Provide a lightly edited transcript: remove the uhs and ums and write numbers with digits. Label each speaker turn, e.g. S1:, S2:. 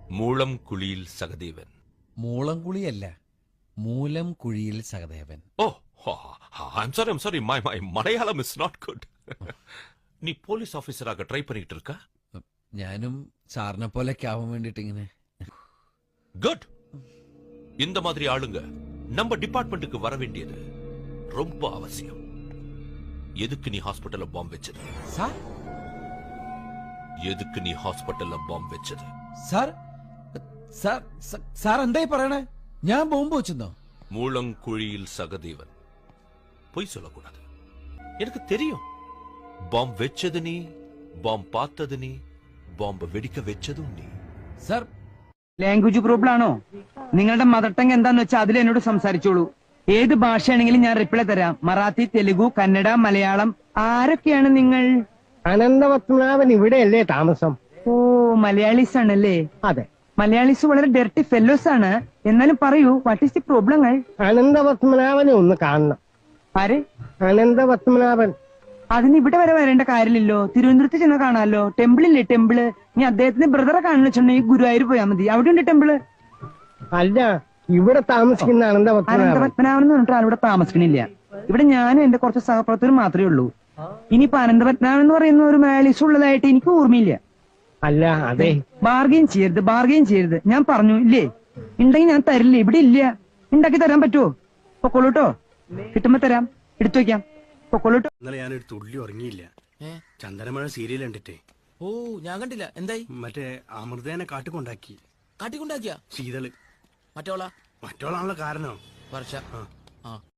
S1: മൂളം കുഴിയിൽ സഹദേവൻ.
S2: മൂളം കുളിയല്ല, മൂലം കുഴിയിൽ സഹദേവൻ.
S1: ഓ, I'm sorry. My Malayalam is not good. നീ പോലീസ് ഓഫീസറാക ട്രൈ பண்ணிட்டு இருக்க?
S2: ഞാനും സാറിനെ പോലെയൊക്കെ ആവാൻ വേണ്ടിട്ട് ഇങ്ങനെ.
S1: குட். இந்த மாதிரி ஆளுங்க நம்ம டிபார்ட்மெண்ட்டுக்கு வர வேண்டியது ரொம்ப அவசியம். எதுக்கு நீ ஹாஸ்பிடல்ல பாம்பு வெச்சது?
S2: സാർ
S1: எதுக்கு நீ ஹாஸ்பிடல்ல பாம்பு வெச்சது?
S2: സാർ സാർ സാർ എന്തായി പറയണേ? ഞാൻ ബോംബ് വെച്ചെന്നോ?
S1: மூலங்குழியில் சகதேவன். பொய் சொல்லக்கூடாது. எனக்கு தெரியும். பாம்பு வெச்சது நீ, பாம்பு பார்த்தது நீ, பாம்பு வெடிக்க വെച്ചതും നീ.
S2: സാർ
S3: ലാംഗ്വേജ് പ്രോബ്ലം ആണോ? നിങ്ങളുടെ മദർ ടങ് എന്താന്ന് വെച്ചാൽ അതിൽ എന്നോട് സംസാരിച്ചോളൂ. ഏത് ഭാഷയാണെങ്കിലും ഞാൻ റിപ്ലൈ തരാം. മറാത്തി, തെലുഗു, കന്നഡ, മലയാളം. ആരൊക്കെയാണ് നിങ്ങൾ?
S4: അനന്തപത്മനാഭൻ ഇവിടെയല്ലേ താമസം?
S3: ഓ, മലയാളീസ് ആണല്ലേ?
S4: അതെ.
S3: മലയാളീസ് വളരെ ഡെർട്ടി ഫെല്ലോസ് ആണ്. എന്നാലും പറയൂ, വാട്ട് ഈസ് ദി പ്രോബ്ലങ്ങൾ?
S4: അനന്തപത്മനാഭനെ ഒന്ന് കാണണം.
S3: ആര്?
S4: അനന്തപത്മനാഭൻ.
S3: അതിന് ഇവിടെ വരെ വരേണ്ട കാര്യമില്ലല്ലോ. തിരുവനന്തപുരത്ത് ചെന്ന് കാണാമല്ലോ. ടെമ്പിളില്ലേ, ടെമ്പിള്. നീ അദ്ദേഹത്തിന്റെ ബ്രദറെ കാണുന്ന വെച്ചിട്ടുണ്ടെങ്കിൽ ഗുരുവായൂർ പോയാൽ മതി. അവിടെ ഉണ്ട് ടെമ്പിള്.
S4: അല്ല, ഇവിടെ താമസിക്കുന്ന അനന്തപത്മനാഭൻ.
S3: അനന്തപത്മനാഭൻ എന്ന് പറഞ്ഞിട്ട് ആളിവിടെ താമസിക്കണില്ല. ഇവിടെ ഞാനും എന്റെ കുറച്ച് സഹപ്രവർത്തകരും മാത്രമേ ഉള്ളൂ. ഇനിയിപ്പോ അനന്തപത്മനാഭൻ എന്ന് പറയുന്ന ഒരു മലയാളീസ് ഉള്ളതായിട്ട് എനിക്ക് ഓർമ്മയില്ല.
S4: അല്ല, അതെ.
S3: ബാർഗെയിൻ ചെയ്യരുത്. ഞാൻ പറഞ്ഞു ഇല്ലേ? ഉണ്ടെങ്കിൽ ഞാൻ തരില്ല. ഇവിടെ ഇല്ല. ഉണ്ടാക്കി തരാൻ പറ്റുമോ? പൊക്കോളൂട്ടോ. കിട്ടുമ്പോ തരാം. എടുത്തു വെക്കാം. പൊക്കോളൂട്ടോ.
S5: ഇന്നലെ ഞാനൊരു തുള്ളി ഉറങ്ങിയില്ല. ചന്ദനമഴ സീരിയൽ കണ്ടിട്ടേ.
S6: ഓ, ഞാൻ കണ്ടില്ല. എന്തായി?
S5: മറ്റേ അമൃതേനെ കാട്ടിക്കൊണ്ടാക്കി.
S6: കാട്ടിക്കൊണ്ടാക്കിയ
S5: ശീതള്
S6: മറ്റോളാ
S5: മറ്റോളാണല്ലോ കാരണോ?
S6: വർഷ.
S5: ആ.